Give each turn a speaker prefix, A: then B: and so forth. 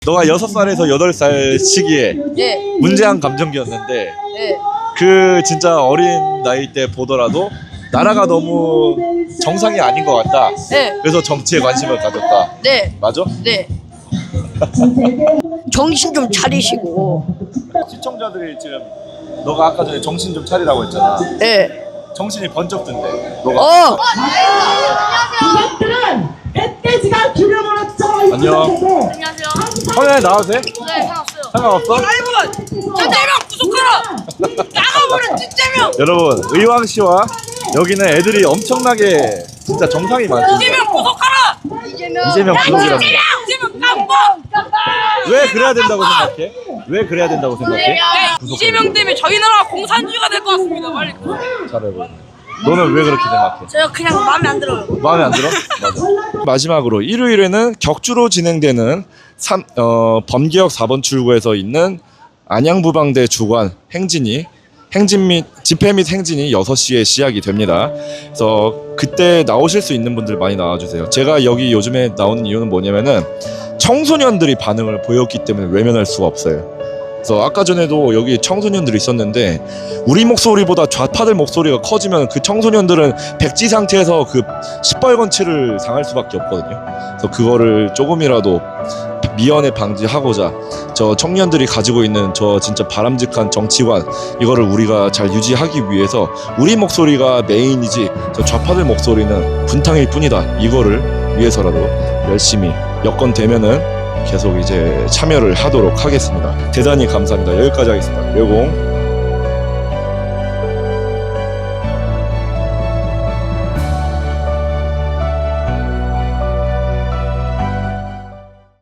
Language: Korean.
A: 너가 6살에서 8살 시기에
B: 네.
A: 문제한 감정기였는데
B: 네.
A: 그 진짜 어린 나이 때 보더라도 나라가 너무 정상이 아닌 것 같다.
B: 네.
A: 그래서 정치에 관심을 가졌다.
B: 네.
A: 맞아?
B: 네. 정신 좀 차리시고.
A: 시청자들이 지금 너가 아까 전에 정신 좀 차리라고 했잖아.
B: 네.
A: 정신이 번쩍 든대. 너가.
C: 멧돼지가 기름으로 쪄.
A: 안녕.
B: 안녕하세요.
A: 화면에 나와도 돼?
B: 네, 상관없어요.
A: 상관없어?
B: 라이브는 진짜명 구속하라. 나가버려 진짜명.
A: 여러분, 의왕 씨와 여기는 애들이 엄청나게 진짜 정상이 많습니다.
B: 이재명 구속하라.
A: 이재명 구속이랍니다.
B: 이재명 깜빡.
A: 왜 그래야 된다고 생각해? 왜 그래야 된다고 생각해?
B: 네, 이재명 때문에 저희 나라가 공산주의가 될 것 같습니다. 빨리.
A: 잘해보. 너는 왜 그렇게 생각해?
B: 제가 그냥 마음에 안 들어요.
A: 마음에 안 들어? 맞아. 마지막으로 일요일에는 격주로 진행되는 범기역 4번 출구에서 있는 안양부방대 주관 행진 및 집회 및 행진이 6시에 시작이 됩니다. 그래서 그때 나오실 수 있는 분들 많이 나와주세요. 제가 여기 요즘에 나오는 이유는 뭐냐면은 청소년들이 반응을 보였기 때문에 외면할 수가 없어요. 그래서 아까 전에도 여기 청소년들이 있었는데 우리 목소리보다 좌파들 목소리가 커지면 그 청소년들은 백지 상태에서 그 시뻘건 치를 당할 수밖에 없거든요. 그래서 그거를 조금이라도 미연에 방지하고자 저 청년들이 가지고 있는 저 진짜 바람직한 정치관 이거를 우리가 잘 유지하기 위해서 우리 목소리가 메인이지 저 좌파들 목소리는 분탕일 뿐이다. 이거를 위해서라도 열심히 여건 되면은 계속 이제 참여를 하도록 하겠습니다. 대단히 감사합니다. 여기까지 하겠습니다. 여공.